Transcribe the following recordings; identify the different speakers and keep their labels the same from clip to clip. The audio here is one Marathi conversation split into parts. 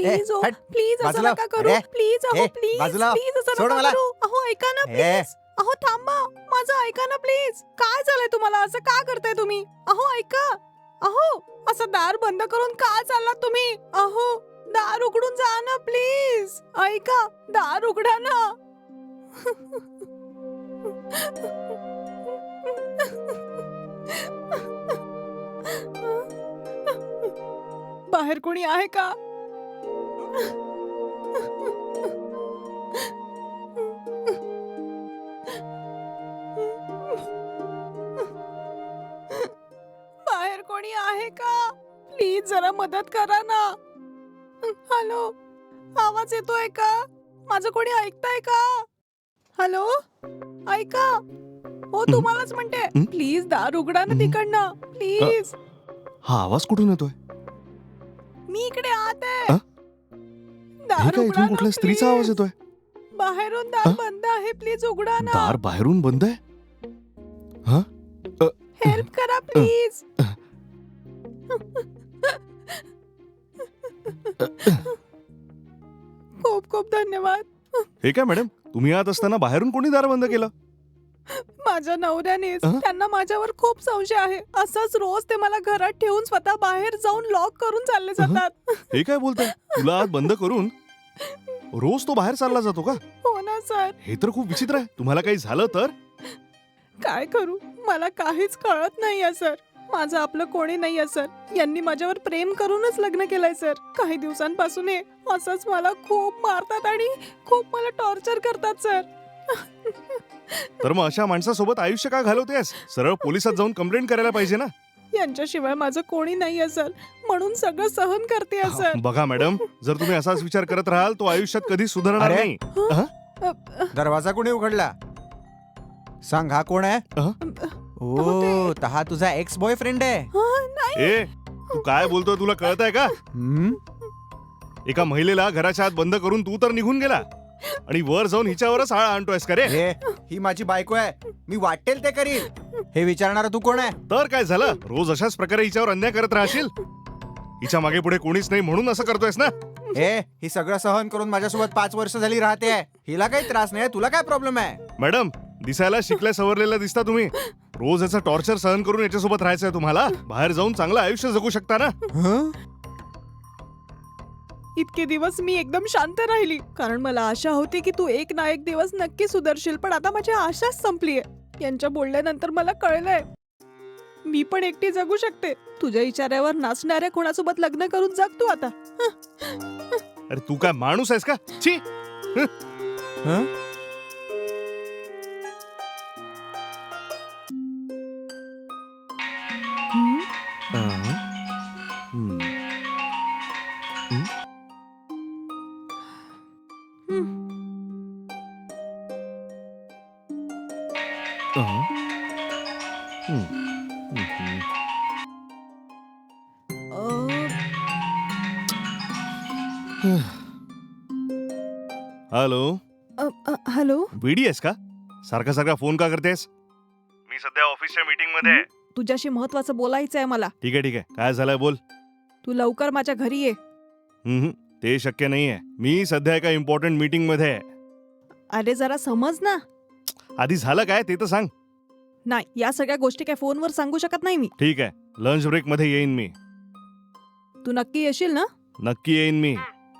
Speaker 1: प्लीज ओ
Speaker 2: हट,
Speaker 1: प्लीज असं
Speaker 2: बाजूला.
Speaker 1: नका करू
Speaker 2: अरे,
Speaker 1: प्लीज अहो
Speaker 2: ए,
Speaker 1: प्लीज
Speaker 2: बाजूला.
Speaker 1: प्लीज असं
Speaker 2: सोड
Speaker 1: नका
Speaker 2: मला.
Speaker 1: करू अहो ऐका ना
Speaker 2: ए.
Speaker 1: प्लीज अहो थांबा माझं ऐका ना प्लीज काय झालंय तुम्हाला असं का करताय तुम्ही अहो ऐका अहो असं दार बंद करून का चाललात तुम्ही अहो दार उघडून जा ना प्लीज ऐका दार उघडा ना बाहेर कोणी आहे का बाहेर कोणी आहे का प्लीज जरा मदत करा ना हॅलो आवाज येतोय का माझं कोणी ऐकताय का हॅलो ऐका हो तुम्हालाच म्हणते प्लीज दार उघडा ना तिकडनं प्लीज
Speaker 3: हा आवाज कुठून येतोय?
Speaker 1: मी इकडे आत आहे
Speaker 3: अ? हे
Speaker 1: दार
Speaker 3: काय
Speaker 1: उघडा
Speaker 3: इथून कुठल्या
Speaker 1: ना,
Speaker 3: स्त्रीचा आवाज
Speaker 1: please.
Speaker 3: येतोय?
Speaker 1: बाहेरून दार
Speaker 3: अ?
Speaker 1: बंद आहे प्लीज उघडा ना
Speaker 3: दार बाहेरून बंद आहे? हा?
Speaker 1: हेल्प करा प्लीज खूप खूप धन्यवाद
Speaker 3: हे काय मॅडम, तुम्ही आत असताना बाहेरून कोणी दार बंद केलं?
Speaker 1: माझ्या नवऱ्यानेच
Speaker 3: अ?
Speaker 1: त्यांना माझ्यावर खूप संशय आहे असंच रोज ते मला घरात ठेवून स्वतः बाहेर जाऊन लॉक करून चालले जातात
Speaker 3: हे काय बोलताय? तुला आत बंद करून रोज तो बाहेर चालला जातो का?
Speaker 1: हो ना सर
Speaker 3: हे तर खूप विचित्र आहे. तुम्हाला काही झालं तर?
Speaker 1: काय करू मला काहीच कळत नाहीये सर माझं आपलं कोणी नाहीये सर यांनी माझ्यावर प्रेम करूनच लग्न केलंय सर काही दिवसांपासून हे असंच मला खूप मारतात आणि खूप मला टॉर्चर करतात सर
Speaker 3: तर मग अशा माणसासोबत आयुष्य का घालवतेस? सरळ पोलिसात जाऊन कंप्लेंट करायला पाहिजे ना.
Speaker 1: यांच्याशिवाय माझं कोणी नाहीये सर म्हणून सगळं सहन करते सर
Speaker 3: बघा मॅडम, जर तुम्ही असाच विचार करत राहाल तो आयुष्यात कधी सुधारणार
Speaker 2: अरे?
Speaker 3: नाही.
Speaker 2: दरवाजा कोणी उघडला? सांग हा कोण आहे? ओ तर हा तुझा एक्स बॉयफ्रेंड आहे.
Speaker 1: नाही
Speaker 3: ए, तू काय बोलतोय तुला कळत आहे का?
Speaker 2: हम्म?
Speaker 3: एका महिलेला घराच्या आत बंद करून तू तर निघून गेला आणि वर जाऊन हिच्यावरच आळा आणतोयस का रे?
Speaker 2: हे ही माझी बायको आहे मी वाटेल ते करील. हे विचारणारा तू कोण आहे?
Speaker 3: तर काय झालं? रोज अशाच प्रकारे हिच्यावर अन्याय करत राहशील? हिच्या मागे पुढे कोणीच नाही म्हणून असं करतोयस ना?
Speaker 2: हे ही सगळं सहन करून माझ्यासोबत 5 वर्ष झाली राहते. हिला काही त्रास नाही, तुला काय प्रॉब्लेम आहे?
Speaker 3: मॅडम, दिसायला शिकल्या सवरलेल्या दिसता तुम्ही. रोज याचं टॉर्चर सहन करून याच्यासोबत राहायचंय तुम्हाला? बाहेर जाऊन चांगलं आयुष्य जगू शकता ना?
Speaker 2: हं?
Speaker 1: इतके दिवस मी एकदम शांत राहिली कारण मला आशा होती की तू एक ना एक दिवस नक्की सुधारशील पण आता माझी आशाच संपलीये यांच्या बोलल्यानंतर मला कळलंय मी पण एकटी जगू शकते तुझ्या इशाऱ्यावर नाचणाऱ्या कोणासोबत लग्न करून जग तू आता
Speaker 3: अरे तू काय माणूस आहेस का? छी!
Speaker 2: हं?
Speaker 3: हॅलो,
Speaker 1: हॅलो
Speaker 3: वेडी आहेस का? सारखा सारखा फोन का करतेस? मी सध्या ऑफिसच्या मीटिंग मध्ये आहे.
Speaker 1: तुझ्याशी महत्वाचं बोलायचं आहे मला
Speaker 3: ठीक आहे ठीक आहे, काय झालंय बोल.
Speaker 1: तू लवकर माझ्या घरी ये
Speaker 3: ते शक्य नाहीये. मी सध्या एका इम्पॉर्टंट मीटिंग मध्ये आहे.
Speaker 1: अरे जरा समज ना
Speaker 3: आधी झालं काय ते तर सांग.
Speaker 1: नाही या सगळ्या गोष्टी काय फोनवर सांगू शकत नाही मी
Speaker 3: ठीक आहे, लंच ब्रेक मध्ये येईन मी.
Speaker 1: तू नक्की येशील ना
Speaker 3: नक्की येईन मी.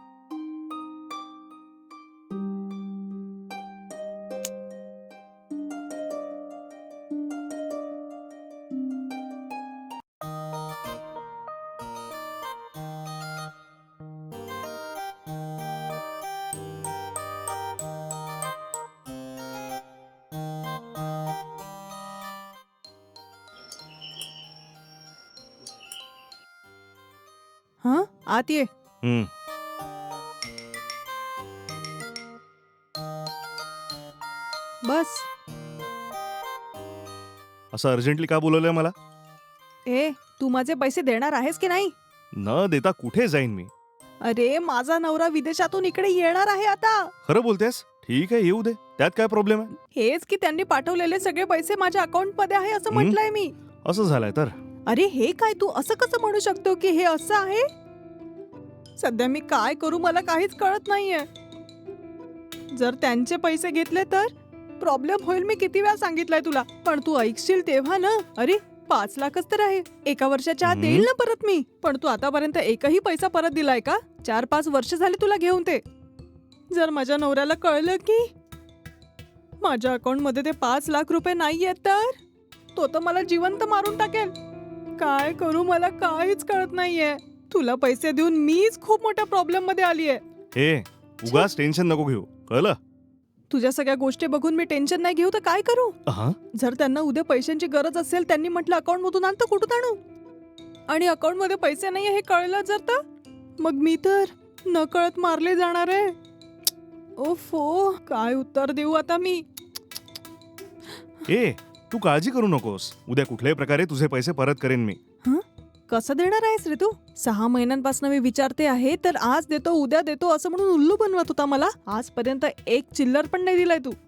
Speaker 1: हा आत ये
Speaker 3: हम्म.
Speaker 1: बस
Speaker 3: असं अर्जंटली का बोलवलंय मला?
Speaker 1: ए तू माझे पैसे देणार आहेस की नाही
Speaker 3: न देता कुठे जाईन मी?
Speaker 1: अरे माझा नवरा विदेशातून इकडे येणार आहे आता
Speaker 3: खरं बोलतेस? ठीक आहे, येऊ दे. त्यात काय प्रॉब्लेम आहे?
Speaker 1: हेच की त्यांनी पाठवलेले सगळे पैसे माझ्या अकाउंट मध्ये आहे असं म्हटलंय मी
Speaker 3: असं झालंय तर?
Speaker 1: अरे हे काय तू असं कसं म्हणू शकतो की हे असं आहे सध्या मी काय करू मला काहीच कळत नाहीये. जर त्यांचे पैसे घेतले तर प्रॉब्लेम होईल. मी किती वेळा सांगितलंय तुला, पण तू ऐकशील तेव्हा ना. अरे 5 लाखच तर आहे, 1 वर्षाच्या आत
Speaker 3: हम्म.
Speaker 1: देईल ना परत मी. पण तू आतापर्यंत एकही पैसा परत दिलाय का? 4-5 वर्ष झाले तुला घेऊन ते. जर माझ्या नवऱ्याला कळलं की माझ्या अकाउंट मध्ये ते 5 लाख रुपये नाहीयेत तर तो तर मला जिवंत मारून टाकेल. काय करू मला काहीच कळत नाहीये. तुला पैसे देऊन मीच खूप मोठ्या प्रॉब्लेम मध्ये आलीये.
Speaker 3: हे उगाच टेन्शन नको घेऊ, कळलं?
Speaker 1: तुझ्या सगळ्या गोष्टी बघून मी टेन्शन नाही घेऊ तर काय करू?
Speaker 3: हा?
Speaker 1: जर त्यांना उद्या पैशांची गरज असेल, त्यांनी म्हटलं अकाउंट मधून आण, तर कुठून आणू? आणि अकाउंट मध्ये पैसे नाही हे कळलं जर तर मग मी तर न कळत मारले जाणार आहे. ओफो, काय उत्तर देऊ आता मी?
Speaker 3: ए तू काळजी करू नकोस, उद्या कुठल्याही प्रकारे तुझे पैसे परत करेन मी.
Speaker 1: कसं देणार आहेस रे तू? 6 महिन्यांपासून मी विचारते आहे, तर आज देतो उद्या देतो असं म्हणून उल्लू बनवत होता मला. आजपर्यंत एक चिल्लर पण नाही दिलाय तू.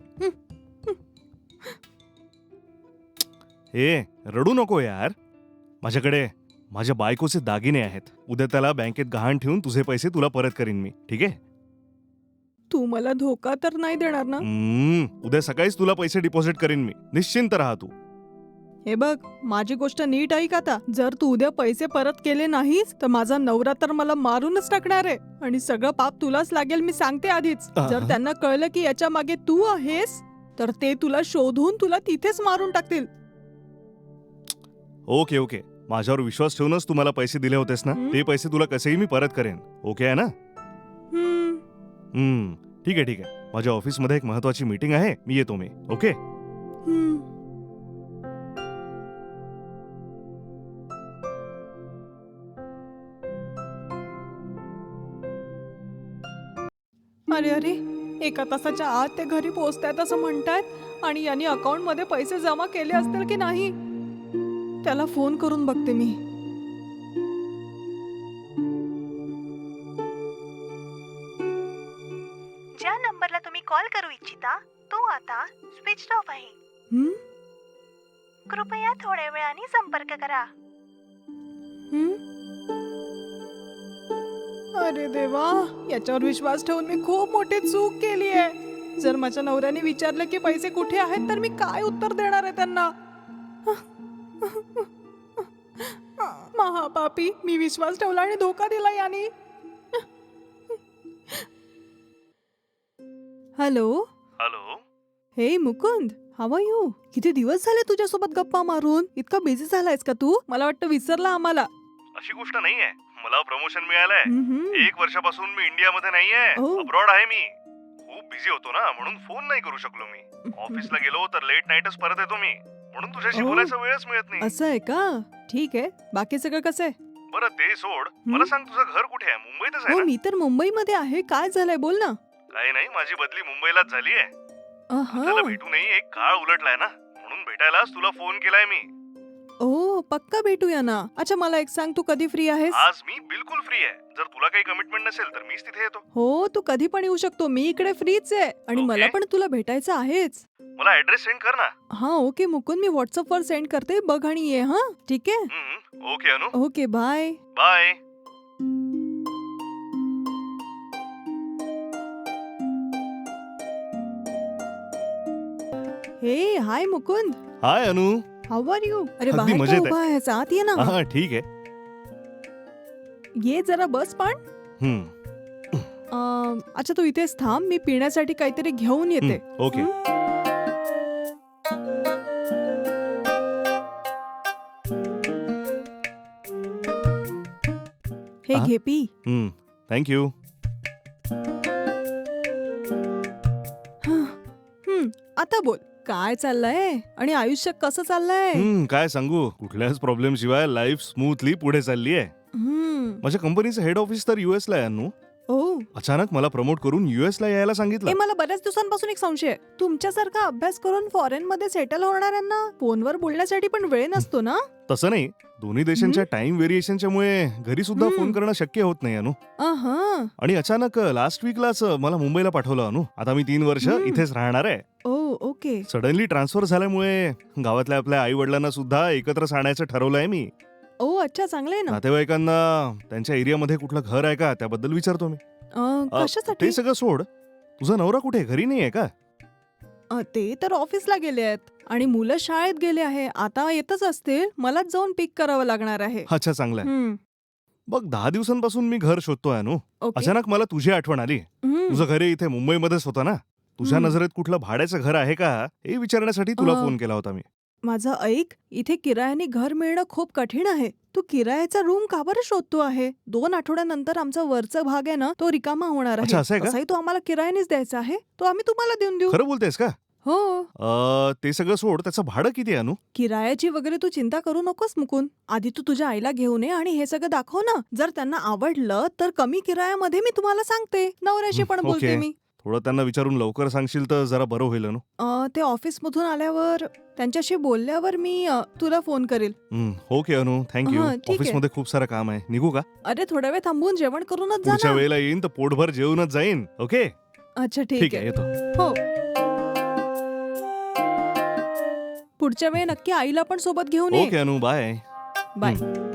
Speaker 3: ए रडू नको यार, माझ्याकडे माझ्या बायकोचे दागिने आहेत. उद्या त्याला बँकेत गहाण ठेवून तुझे पैसे तुला परत करीन मी, ठीक आहे?
Speaker 1: तू मला धोका तर नाही देणार ना?
Speaker 3: उद्या सकाळीच तुला पैसे डिपॉझिट करीन मी, निश्चिंत राहा तू.
Speaker 1: हे बघ, माझी गोष्ट नीट ऐक आता. जर तू उद्या पैसे परत केले नाहीस तर माझा नवरा तर मला मारूनच टाकणार आहे. आणि सगळं पाप तुलाच लागेल, मी सांगते आधीच. जर त्यांना कळलं की याच्या मागे तू आहेस तर ते तुला शोधून तुला तिथेच मारून टाकतील.
Speaker 3: ओके ओके, माझ्यावर विश्वास ठेवूनच तू मला पैसे दिले होतेस ना, ते पैसे तुला कसेही मी परत करेन. ओके आहे ना? ठीक आहे ठीक आहे. माझ्या ऑफिसमध्ये एक महत्वाची मीटिंग आहे, मी येतो मी. ओके.
Speaker 1: अरे अरे, 1 तासाच्या आत ते घरी पोहोचतायत असं म्हणतायत. आणि यांनी अकाउंट मध्ये पैसे जमा केले असतील की नाही, त्याला फोन करून बघते मी.
Speaker 4: ज्या नंबरला तुम्ही कॉल करू इच्छिता तो आता स्विच ऑफ आहे.
Speaker 1: हं?
Speaker 4: कृपया थोड्या वेळाने संपर्क करा.
Speaker 1: हं? अरे देवा, याच्यावर विश्वास ठेवून मी खूप मोठी चूक केली आहे. जर माझ्या नवऱ्याने विचारलं की पैसे कुठे आहेत तर मी काय उत्तर देणार आहे त्यांना? महापापी, मी विश्वास ठेवला आणि धोका दिला यानी. हॅलो.
Speaker 3: हॅलो.
Speaker 1: हे मुकुंद, हाव आर यू? किती दिवस झाले तुझ्यासोबत गप्पा मारून. इतका बिझी झालायस का तू? मला वाटतं विसरला आम्हाला.
Speaker 3: अशी गोष्ट नाहीये, मला प्रमोशन मिळालंय.
Speaker 1: हम्म.
Speaker 3: 1 वर्षापासून मी इंडियामध्ये नाहीये,
Speaker 1: ओ.
Speaker 3: अब्रॉड आहे मी. खूप बिझी होतो ना, म्हणून फोन नाही करू शकलो मी. ऑफिसला गेलो तर लेट नाईटच परत येतो मी, म्हणून तुझ्याशी
Speaker 1: ओ.
Speaker 3: बोलायचा वेळच मिळत नाही.
Speaker 1: असं आहे का? ठीक आहे. बाकी सगळं कसं आहे?
Speaker 3: बरं ते सोड, मला सांग तुझं घर कुठे आहे? मुंबईतच आहे
Speaker 1: हो,
Speaker 3: ना?
Speaker 1: मी तर मुंबईमध्ये आहे. काय झालंय बोल ना.
Speaker 3: काही नाही, माझी बदली मुंबईलाच झालीये.
Speaker 1: अहा.
Speaker 3: आपल्याला भेटूनही एक काळ उलटलाय ना, म्हणून भेटायलाच तुला फोन केलाय मी.
Speaker 1: ओ, पक्का भेटूया ना. अच्छा, मला एक सांग, तू कधी फ्री आहेस?
Speaker 3: आज मी बिलकुल फ्री आहे. जर तुला काही कमिटमेंट नसेल तर मीच तिथे येतो.
Speaker 1: हो, तू कधी पण येऊ शकतो. मी इकडे फ्रीच आहे आणि
Speaker 3: ओके.
Speaker 1: मला पण तुला भेटायचं आहेच.
Speaker 3: मला ऍड्रेस सेंड कर ना.
Speaker 1: हा ओके मुकुंद, मी व्हॉट्सअप वर सेंड करते. बघ आणि ये. हा ठीक आहे.
Speaker 3: ओके अनु,
Speaker 1: ओके, बाय.
Speaker 3: बाय.
Speaker 1: हे हाय Mukund,
Speaker 3: hi Anu.
Speaker 1: How are you? अरे
Speaker 3: अगदी
Speaker 1: बाहेर का
Speaker 3: मजेत आहे.
Speaker 1: उभा आहेस? आत ये ना.
Speaker 3: हा ठीक आहे.
Speaker 1: ये जरा बस पण. अच्छा, तू इथेच थांब, मी पिण्यासाठी काहीतरी घेऊन येते.
Speaker 3: ओके.
Speaker 1: हे
Speaker 3: हा?
Speaker 1: घे पी.
Speaker 3: थँक्यू.
Speaker 1: आता बोल, काय चाललंय आणि आयुष्य कसं चाललंय?
Speaker 3: काय सांगू, कुठल्याच प्रॉब्लेम शिवाय लाईफ स्मूथली पुढे चालली आहे. माझ्या कंपनीचं हेड ऑफिस तर युएस ला आहे अनु.
Speaker 1: ओ,
Speaker 3: अचानक मला प्रमोट करून युएस ला यायला
Speaker 1: हे
Speaker 3: सांगितलं.
Speaker 1: मला बऱ्याच दिवसांपासून एक संशय आहे. तुमच्यासारखा अभ्यास करून फॉरेन मध्ये सेटल होणाऱ्यांना फोनवर बोलण्यासाठी पण वेळ नसतो ना?
Speaker 3: तसं नाही, दोन्ही देशांच्या टाइम व्हेरिएशनच्या मुळे घरी सुद्धा फोन करणं शक्य होत नाही अनु.
Speaker 1: अहा.
Speaker 3: आणि अचानक लास्ट वीकलाच मला मुंबईला पाठवलं अनु. आता मी 3 वर्ष इथेच राहणार आहे.
Speaker 1: ओ, ओके.
Speaker 3: सडनली ट्रान्सफर झाल्यामुळे गावातल्या आपल्या आई वडिलांना सुद्धा एकत्र आणायचं ठरवलंय मी.
Speaker 1: ओ अच्छा चांगलं आहे ना.
Speaker 3: नातेवाईकांना त्यांच्या एरियामध्ये कुठलं घर आहे का त्याबद्दल विचारतो मी.
Speaker 1: कशासाठी?
Speaker 3: ते सगळं सोड. तुझा नवरा कुठे घरी नाही आहे का?
Speaker 1: ते तर ऑफिसला गेले आहेत आणि मुलं शाळेत गेले आहे. आता येतच असतील. मलाच जाऊन पिक करावं लागणार आहे.
Speaker 3: अच्छा चांगलं आहे.
Speaker 1: हम्म,
Speaker 3: बघ 10 दिवसांपासून मी घर शोधतोय अनु.
Speaker 1: ओके.
Speaker 3: अचानक मला तुझी आठवण आली.
Speaker 1: हम्म,
Speaker 3: तुझं घर इथे मुंबईमध्येच होतं ना. तुझ्या
Speaker 1: हम्म.
Speaker 3: नजरेत कुठलं भाड्याचं घर आहे का हे विचारण्यासाठी तुला
Speaker 1: अ,
Speaker 3: फोन केला होता मी.
Speaker 1: माझं ऐक, इथे किरायाने घर मिळणं खूप कठीण आहे. तू किरायाचा रूम का बरं शोधतो आहे? 2 आठवड्यानंतर आमचा वरचा भाग आहे ना तो रिकामा होणार
Speaker 3: अच्छा,
Speaker 1: आहे.
Speaker 3: असं आहे का?
Speaker 1: तसाही तो आम्हाला किरायानेच द्यायचा आहे. तो आम्ही तुम्हाला देऊन देऊ.
Speaker 3: खरं बोलतेस का?
Speaker 1: हो.
Speaker 3: ते सगळं सोड. त्याचं भाडं किती आहे अनु?
Speaker 1: किरायाची वगैरे तू चिंता करू नकोस मुकुंद. आधी तू तुझ्या आईला घेऊन ये आणि हे सगळं दाखव ना. जर त्यांना आवडलं तर कमी किरायामध्ये मी तुम्हाला सांगते. नवऱ्याशी पण बोलते
Speaker 3: ओके.
Speaker 1: मी.
Speaker 3: थोडं त्यांना विचारून लवकर सांगशील तर जरा बरं होईल अनु.
Speaker 1: ते ऑफिसमधून आल्यावर त्यांच्याशी बोलल्यावर मी तुला फोन करेल.
Speaker 3: ओके अनु, थँक्यू.
Speaker 1: हां, ठीक आहे.
Speaker 3: ऑफिसमध्ये खूप सारं काम आहे. निघू का?
Speaker 1: अरे थोडा वेळ थांबून जेवण करूनच जा
Speaker 3: पुढच्या
Speaker 1: ना.
Speaker 3: वेळेला येईन तर पोटभर जेवूनच जाईन. ओके
Speaker 1: अच्छा
Speaker 3: ठीक
Speaker 1: ठीक
Speaker 3: आहे
Speaker 1: आहे.
Speaker 3: येतो.
Speaker 1: हो. पुढच्या वेळी नक्की आईला पण सोबत घेऊन
Speaker 3: ओके
Speaker 1: ये.
Speaker 3: अनु बाय.
Speaker 1: बाय.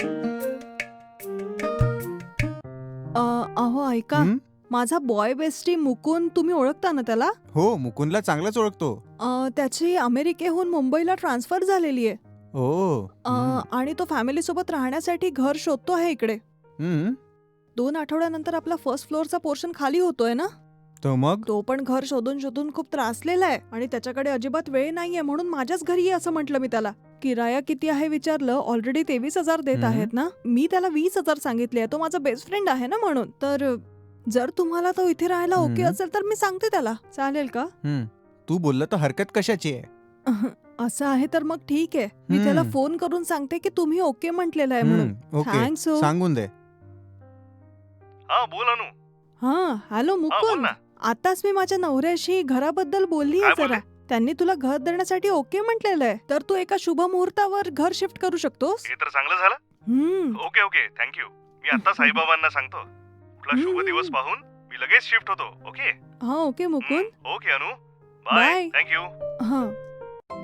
Speaker 1: अहो ऐका,
Speaker 2: हं?
Speaker 1: माझा बॉय बेस्टी मुकुंद तुम्ही ओळखता ना त्याला?
Speaker 2: हो मुकुंदला चांगलंच ओळखतो.
Speaker 1: त्याची अमेरिकेहून मुंबईला ट्रान्सफर झालेली आहे.
Speaker 2: हो.
Speaker 1: आणि तो फॅमिली सोबत राहण्यासाठी घर शोधतो आहे इकडे. 2 आठवड्यानंतर आपला फर्स्ट फ्लोअरचा पोर्शन खाली होतोय ना.
Speaker 2: तो मग
Speaker 1: तो पण घर शोधून शोधून खूप त्रासलेला आहे आणि त्याच्याकडे अजिबात वेळ नाहीये म्हणून माझ्याच घरी ये असं म्हटलं मी त्याला. किराया किती आहे विचारलं. ऑलरेडी 23,000 देत
Speaker 2: हम्म.
Speaker 1: आहेत ना. मी त्याला 20,000 सांगितले. तो माझा बेस्ट फ्रेंड आहे ना म्हणून. तर जर तुम्हाला तो इथे राहायला ओके
Speaker 2: हम्म.
Speaker 1: असेल तर मी सांगते त्याला. चालेल का?
Speaker 2: तू बोललं तर हरकत कशाची आहे?
Speaker 1: असं आहे तर मग ठीक आहे. मी त्याला
Speaker 2: हम्म.
Speaker 1: फोन करून सांगते की तुम्ही ओके म्हटलेलं आहे म्हणून.
Speaker 2: ओके
Speaker 1: थँक्स हो.
Speaker 2: सांगून दे.
Speaker 3: हा बोल अनु.
Speaker 1: हा हॅलो
Speaker 3: हा बोल
Speaker 1: मुकुंद.
Speaker 3: ना.
Speaker 1: आताच मी माझ्या नवऱ्याशी घराबद्दल बोलली
Speaker 3: काय
Speaker 1: आहे जरा. त्यांनी तुला घर देण्यासाठी ओके म्हटलेलं आहे. तर तू एका शुभ मुहूर्तावर घर शिफ्ट करू शकतोस.
Speaker 3: हे तर चांगलं झालं.
Speaker 1: हम्म.
Speaker 3: Okay okay thank you. मी आता साईबाबांना सांगतो. कुठला शुभ दिवस पाहून मी लगेच शिफ्ट होतो. ओके
Speaker 1: हा okay Mukund.
Speaker 3: Okay Anu bye.
Speaker 1: Bye.
Speaker 3: Thank you.
Speaker 1: हा